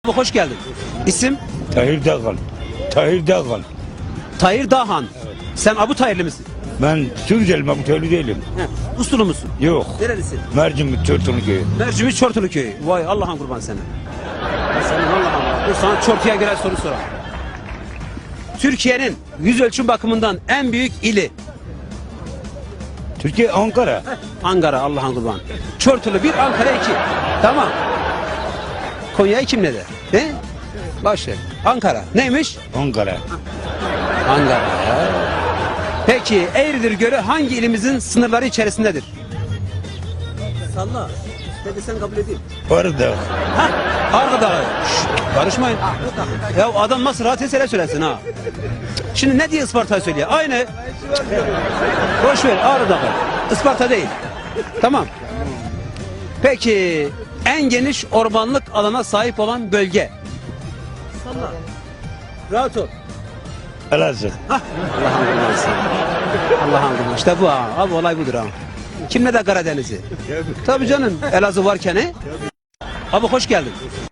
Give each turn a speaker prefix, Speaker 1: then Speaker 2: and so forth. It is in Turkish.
Speaker 1: Hoş geldin. İsim?
Speaker 2: Tahir Dağhan. Tahir Dağhan.
Speaker 1: Tahir Dağhan. Evet. Sen Abu Tahirli misin?
Speaker 2: Ben Suriyeliyim, Abu Tahir değilim.
Speaker 1: He. Uslu musun?
Speaker 2: Yok.
Speaker 1: Nerelisin?
Speaker 2: Mercimik, Çortulu köyü.
Speaker 1: Mercimi Çortulu köyü. Vay Allah'ın kurban sana. Senin Allah'ın. Dur sana Çortu'ya girer soru sorayım. Türkiye'nin yüz ölçüm bakımından en büyük ili?
Speaker 2: Türkiye, Ankara.
Speaker 1: Ankara Allah'ın kurban. Çortulu 1, Ankara 2. Tamam. Konya'yı kim ne der? He? Başla. Ankara. Neymiş?
Speaker 2: Ankara.
Speaker 1: Ankara. Peki Eğridir Gölü hangi ilimizin sınırları içerisindedir? Salla. Hadi sen kabul edeyim.
Speaker 2: Ağrı Dağı.
Speaker 1: Ha? Ağrı Dağı. Şşt, karışmayın. Ya adam nasıl rahat esere söylesin ha. Şimdi ne diye Isparta'yı söylüyor? Aynı. Boş ver Ağrı Dağı. Isparta değil. Tamam. Peki en geniş ormanlık alana sahip olan bölge? Salla. Rahat ol.
Speaker 2: Elazığ.
Speaker 1: Hah. Allah'ın kurbanısın. Allah'ın kurbanı. İşte bu ha. Abi olay budur ha. Kim ne de Karadeniz'i? Tabii canım. Elazığ varken he? Abi hoş geldin.